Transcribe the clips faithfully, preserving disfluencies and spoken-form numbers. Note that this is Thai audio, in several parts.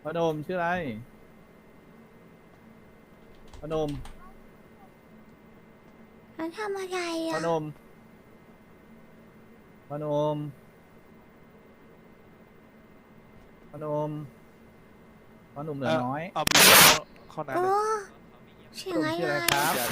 พนมชื่ออะไรพนมแล้วทำอะไรพอ่ะนมพนมพนมพนมเหลืเอออน้อยเอาบีเข้าเข้าโอ้น้ำเลยเสีพนมยงอะไรชื่ออะไรครับเดี๋ยว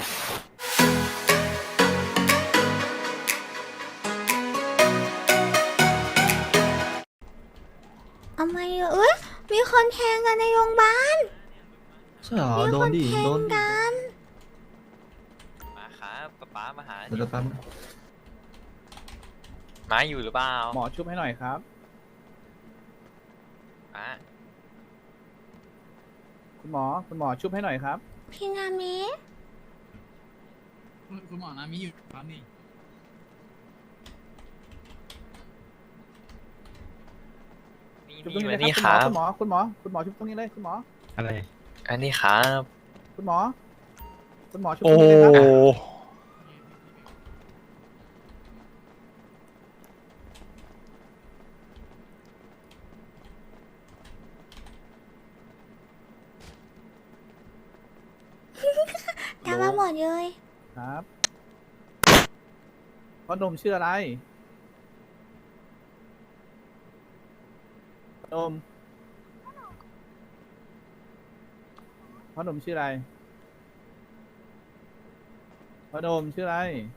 ทำไมอ่ะเอ้ยมีคนแทงกันในโรงพยาบาลใช่เหรอมีโดนดิคนแทงโดนดิกันมาครับป๊าป๊ามาหาเดี๋ยวแป๊บนึงมาอยู่หรือเปล่าหมอชุบให้หน่อยครับป๊าคุณหมอคุณหมอชุบให้หน่อยครับพี่นามิคุณคุณหมอนามิอยู่ครับนี่นี่ชุบตรงนี่นี้มาเลยนี่คครัรับบ คุณหมอคุณหมอคุณหมอคุณหมอชุบตรงนี้เลยคุณหมออะไรอันนี้ครับคุณหมอคุณหมอชุบตโอ้รงนี้เลยครับตามมาหมดเลยครับพนมชื่ออะไรพนมพนมชื่ออะไรพนมชื่ออะไร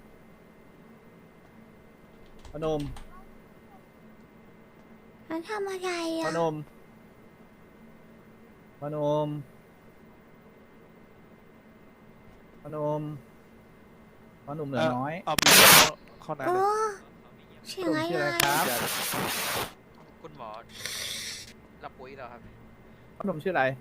พนมแล้วทำอะไรพอ่ะนมพนมพนมพนมเหลือน้อยเอาบีเข้าเข้าน้ำโอ้เลยเสีพยงนมอะไรชื่ออะไรครับเดี๋ยวคุณหมอรับปุ๋ยแล้วครับพนมชื่ออะไร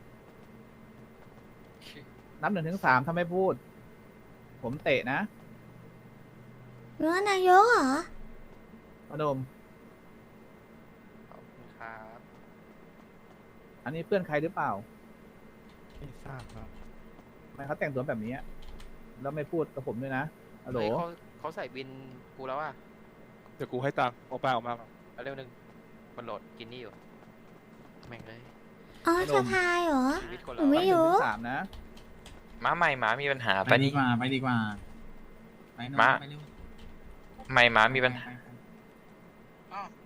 นับหนึ่งถึงสามถ้าไม่พูด ผมเตะนะเนื้อนายกเหรอพนมขอบคุณครับอันนี้เพื่อนใครหรือเปล่าไม่ทราบครับทำไมเขาแต่งตัวแบบนี้อะแล้วไม่พูดกับผมด้วยนะฮัลโหลเฮ้ยเขาเขาใส่บินกูแล้วอ่ะเดี๋ยวกูให้ตังค์เอาไปออกมาก่อนเอาเร็วหนึ่งมันโหลดกินนี่อยู่ แม่งเลยอ๋อจะพายเหรอชีวิตคนหนูเราไม่นับหนึ่งรู้ถึงสามนะม้าใหม่ม้ามีปัญหาไปปะดีนี่กว่าไปดีกว่าไปน้องมาไปเร็วใหม่ม้ามีปัญหาไปไปอ้าว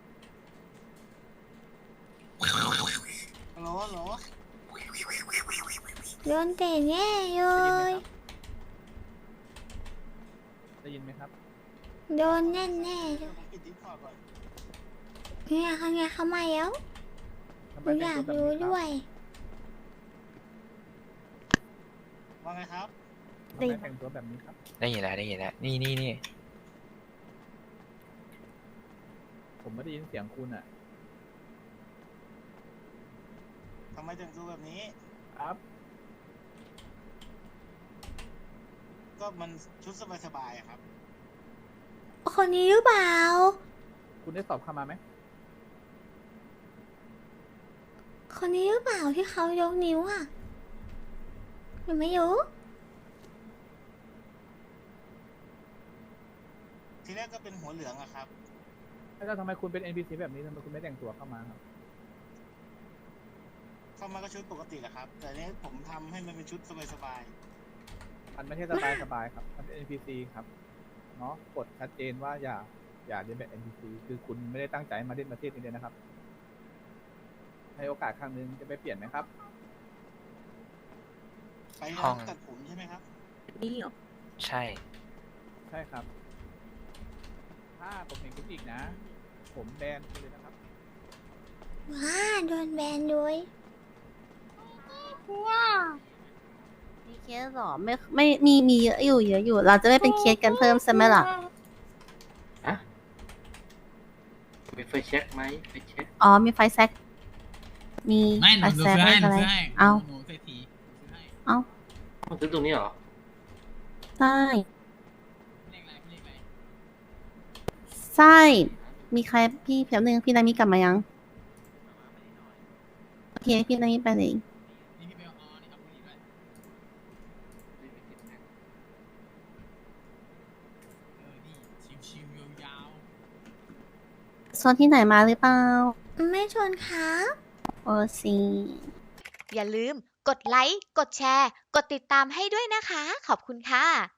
ฮัลโหลฮัลโหลโดนเตะแน่เลได้ยินไหมครับยได้ยินไหมครับโดนแน่แน่ๆเลยปิดดิสคอร์ดก่อนเนี่ยเขาเนี่ยเขามาแล้วทำหไมนูอแต่งยากตัวแบบรู้นี้ครับด้วยว่าไงครับทำไมแต่งตัวแบบนี้ครับได้ยินแล้วได้ยินแล้วนี่นี่นี่ผมไม่ได้ยินเสียงคุณอ่ะทำไมแต่งตัวแบบนี้ครับก็มันชุดสบายๆอะครับคนนี้หรือเปล่าคุณได้สอบเข้ามาไหมคนนี้หรือเปล่าที่เขายกนิ้วอ่ะหนูไม่รู้ทีแรกก็เป็นหัวเหลืองอะครับแล้วทำไมคุณเป็น เอ็น พี ซี แบบนี้ทำไมคุณไม่แต่งตัวเข้ามาครับเข้ามาก็ชุดปกติแหละครับ แต่เนี้ยผมทำให้มันเป็นชุดสบายมันไม่ใช่สบายสบายครับ มันเป็น เอ็น พี ซี ครับ เนาะกฎชัดเจนว่าอย่า อย่าเรียนแบบ เอ็น พี ซี คือคุณไม่ได้ตั้งใจมาเล่นประเทศนี้เลยนะครับ ให้โอกาสครั้งหนึงจะไปเปลี่ยนไหมครับๆ ไปร้านตัดผมใช่ไหมครับใช่ใช่ครับ ถ้าผมเห็นคุณอีกนะ ผมแบนคุณเลยนะครับว้าโดนแบนด้วยมีเคสเหรอไม่ไม่มีมีเยอะอยู่เยอะอยู่ เราจะไม่เป็นเคสกันเพิ่มใช่ไหมล่ะมีไฟเช็คไหมไฟเช็คอ๋อมีไฟแซกมีไม่หไฟนูหนูแซกซื้อให้หนูอะไรซื้อให้เอาหนูเศรษฐีหนูซื้อให้เอามันซื้อตรงนี้เหรอใช่เลขอะไรเลขอะไรใช่ มีใครพี่เพียบนึงพี่นามิกลับมายังโอเคพี่นามิไปเลยนี่พี่เบลอ๋อนี่เอาคนนี้ด้วยเออนี่ชิวๆยาวโซนที่ไหนมาหรือเปล่าไม่ชนครับโอโอซีอย่าลืมกดไลค์ กดแชร์ กดติดตามให้ด้วยนะคะ ขอบคุณค่ะ